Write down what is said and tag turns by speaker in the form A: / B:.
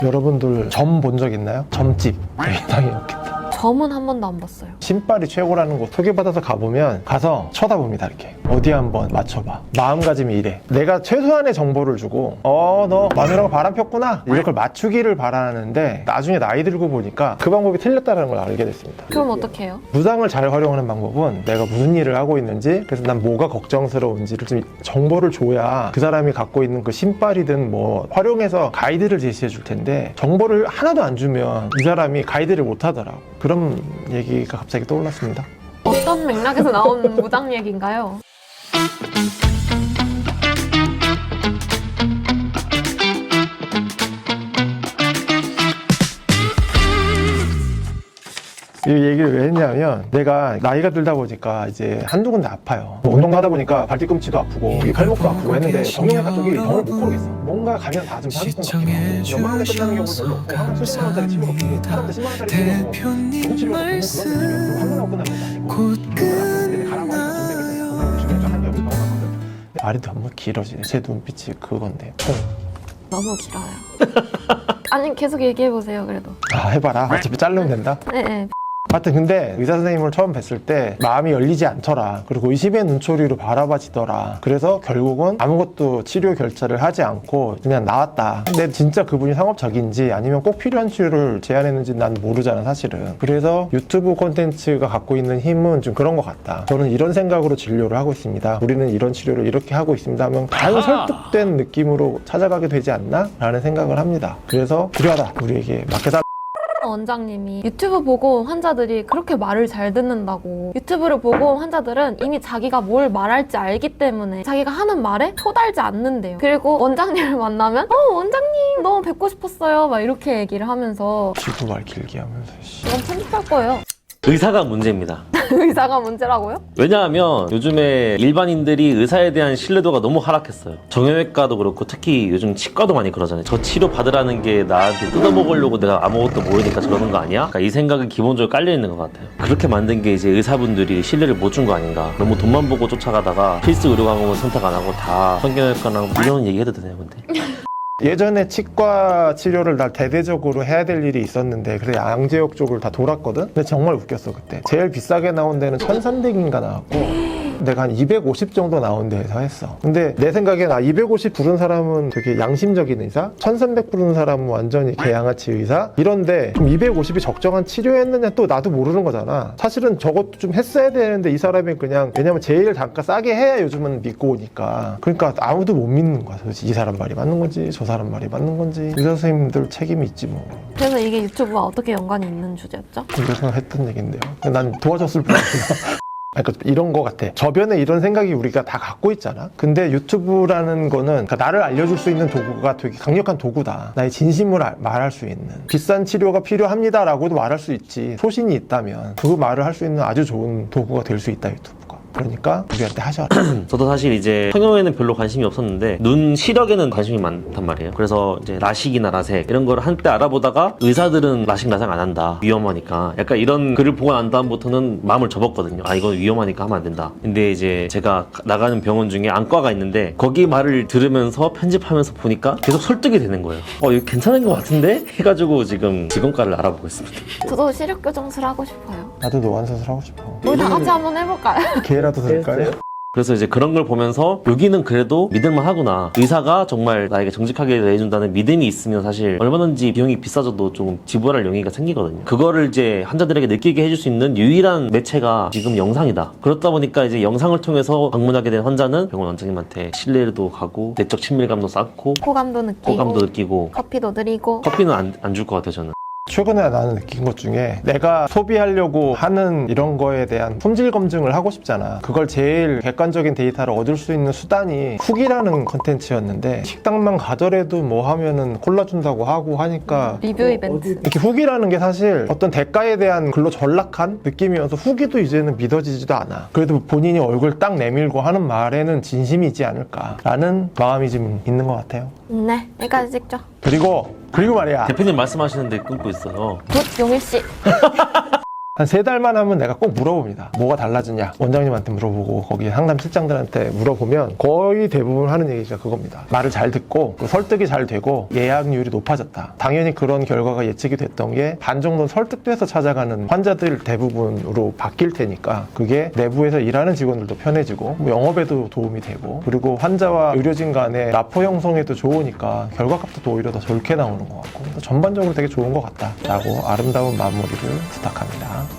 A: 여러분들 점 본 적 있나요? 점집 당연히 없겠다.
B: 점은 한 번도 안 봤어요.
A: 신발이 최고라는 곳 소개받아서 가보면 가서 쳐다봅니다. 이렇게 어디 한번 맞춰봐. 마음가짐이 이래. 내가 최소한의 정보를 주고 너 마누라가 바람 폈구나 이걸 맞추기를 바라는데 나중에 나이 들고 보니까 그 방법이 틀렸다는 걸 알게 됐습니다.
B: 그럼 어떻게 해요?
A: 무당을 잘 활용하는 방법은 내가 무슨 일을 하고 있는지, 그래서 난 뭐가 걱정스러운지를 좀 정보를 줘야 그 사람이 갖고 있는 그 신발이든 뭐 활용해서 가이드를 제시해 줄 텐데, 정보를 하나도 안 주면 이 사람이 가이드를 못 하더라고. 그런 얘기가 갑자기 떠올랐습니다.
B: 어떤 맥락에서 나온 무당 얘기인가요?
A: 이 얘기를 왜 했냐면, 내가 나이가 들다 보니까 이제 한두 군데 아파요. 운동 하다 보니까 발 뒤꿈치도 아프고 팔목도 아프고 했는데 정형외과 쪽이 병을 못 고르겠어. 뭔가 가면 다 좀 30분 같아요. 연말에 끝나는 경우는 별로 없고 항상 10만 원짜리 치료가 없고 사람들 10만 원짜리 치료고 좋은 치료가 없고 그런 한 번하고 끝나는 것도 아니고 근데 가라고 하니까 돈백을 주면 한 여기 넘어가거든. 말이 너무 길어지네. 제 눈빛이 그건데
B: 너무 길어요. 아니 계속 얘기해보세요 그래도.
A: 해봐라. 어차피 자르면 된다.
B: 네.
A: 하여튼 근데 의사 선생님을 처음 뵀을 때 마음이 열리지 않더라. 그리고 의심의 눈초리로 바라봐지더라. 그래서 결국은 아무것도 치료 결제를 하지 않고 그냥 나왔다. 근데 진짜 그분이 상업적인지 아니면 꼭 필요한 치료를 제안했는지 난 모르잖아 사실은. 그래서 유튜브 콘텐츠가 갖고 있는 힘은 좀 그런 것 같다. 저는 이런 생각으로 진료를 하고 있습니다. 우리는 이런 치료를 이렇게 하고 있습니다 하면 과연 설득된 느낌으로 찾아가게 되지 않나? 라는 생각을 합니다. 그래서 필요하다. 우리에게 맡겨달라.
B: 원장님이 유튜브 보고 환자들이 그렇게 말을 잘 듣는다고. 유튜브를 보고 환자들은 이미 자기가 뭘 말할지 알기 때문에 자기가 하는 말에 토달지 않는데요. 그리고 원장님을 만나면 원장님 너무 뵙고 싶었어요 막 이렇게 얘기를 하면서.
A: 지구 말 길게 하면서
B: 이건 편집할 거예요.
C: 의사가 문제입니다.
B: 의사가 문제라고요?
C: 왜냐하면 요즘에 일반인들이 의사에 대한 신뢰도가 너무 하락했어요. 정형외과도 그렇고 특히 요즘 치과도 많이 그러잖아요. 저 치료 받으라는 게 나한테 뜯어먹으려고 내가 아무것도 모르니까 저러는 거 아니야? 그러니까 이 생각이 기본적으로 깔려있는 것 같아요. 그렇게 만든 게 이제 의사분들이 신뢰를 못 준 거 아닌가. 너무 돈만 보고 쫓아가다가 필수 의료 과목은 선택 안 하고 다 성형외과나 이런 얘기 해도 되나요 근데?
A: 예전에 치과 치료를 나 대대적으로 해야 될 일이 있었는데 그래서 양재역 쪽을 다 돌았거든? 근데 정말 웃겼어 그때. 제일 비싸게 나온 데는 1300인가 나왔고 내가 한 250 정도 나온 데에서 했어. 근데 내 생각엔 250 부른 사람은 되게 양심적인 의사? 1300 부른 사람은 완전히 개양아치 의사? 이런데 그럼 250이 적정한 치료였느냐 또 나도 모르는 거잖아. 사실은 저것도 좀 했어야 되는데 이 사람이 그냥, 왜냐면 제일 단가 싸게 해야 요즘은 믿고 오니까. 그러니까 아무도 못 믿는 거야. 도대체 이 사람 말이 맞는 건지 저 사람 말이 맞는 건지. 의사 선생님들 책임이 있지 뭐.
B: 그래서 이게 유튜브와 어떻게 연관이 있는 주제였죠?
A: 그래서 했던 얘긴데요. 난 도와줬을 뿐이야. 그러니까 이런 거 같아. 저변에 이런 생각이 우리가 다 갖고 있잖아. 근데 유튜브라는 거는 그러니까 나를 알려줄 수 있는 도구가 되게 강력한 도구다. 나의 진심을 말할 수 있는. 비싼 치료가 필요합니다 라고도 말할 수 있지. 소신이 있다면 그 말을 할 수 있는 아주 좋은 도구가 될 수 있다 유튜브가. 그러니까 우리한테 하셔라.
C: 저도 사실 이제 성형에는 별로 관심이 없었는데 눈 시력에는 관심이 많단 말이에요. 그래서 이제 라식이나 라섹 이런 거를 한때 알아보다가 의사들은 라식 라섹 안 한다 위험하니까 약간 이런 글을 보고 난 다음부터는 마음을 접었거든요. 이건 위험하니까 하면 안 된다. 근데 이제 제가 나가는 병원 중에 안과가 있는데 거기 말을 들으면서 편집하면서 보니까 계속 설득이 되는 거예요. 이거 괜찮은 것 같은데? 해가지고 지금 직원과를 알아보고 있습니다.
B: 저도 시력 교정술 하고 싶어요.
A: 나도 노안수술 하고 싶어.
B: 우리 다 같이 한번 해볼까요?
A: 기회라도 될까요?
C: 그래서 이제 그런 걸 보면서 여기는 그래도 믿을만 하구나. 의사가 정말 나에게 정직하게 대해준다는 믿음이 있으면 사실 얼마든지 비용이 비싸져도 조금 지불할 용의가 생기거든요. 그거를 이제 환자들에게 느끼게 해줄 수 있는 유일한 매체가 지금 영상이다. 그렇다 보니까 이제 영상을 통해서 방문하게 된 환자는 병원 원장님한테 신뢰도 가고 내적 친밀감도 쌓고
B: 호감도 느끼고
C: 호감도 느끼고
B: 커피도 드리고.
C: 커피는 안 줄 것 같아요 저는.
A: 최근에 나는 느낀 것 중에 내가 소비하려고 하는 이런 거에 대한 품질 검증을 하고 싶잖아. 그걸 제일 객관적인 데이터를 얻을 수 있는 수단이 훅이라는 컨텐츠였는데 식당만 가더라도 뭐 하면은 콜라 준다고 하고 하니까
B: 리뷰 이벤트.
A: 이렇게 훅이라는 게 사실 어떤 대가에 대한 글로 전락한 느낌이어서 후기도 이제는 믿어지지도 않아. 그래도 본인이 얼굴 딱 내밀고 하는 말에는 진심이지 않을까라는 마음이 좀 있는 것 같아요.
B: 네, 여기까지 찍죠.
A: 그리고 말이야.
C: 대표님 말씀하시는데 끊고 있어요.
B: 굿 용일씨.
A: 한 3달만 하면 내가 꼭 물어봅니다. 뭐가 달라졌냐? 원장님한테 물어보고 거기 상담 실장들한테 물어보면 거의 대부분 하는 얘기가 그겁니다. 말을 잘 듣고 설득이 잘 되고 예약률이 높아졌다. 당연히 그런 결과가 예측이 됐던 게 반 정도는 설득돼서 찾아가는 환자들 대부분으로 바뀔 테니까 그게 내부에서 일하는 직원들도 편해지고 영업에도 도움이 되고 그리고 환자와 의료진 간의 라포 형성에도 좋으니까 결과값도 또 오히려 더 좋게 나오는 것 같고 전반적으로 되게 좋은 것 같다라고 아름다운 마무리를 부탁합니다.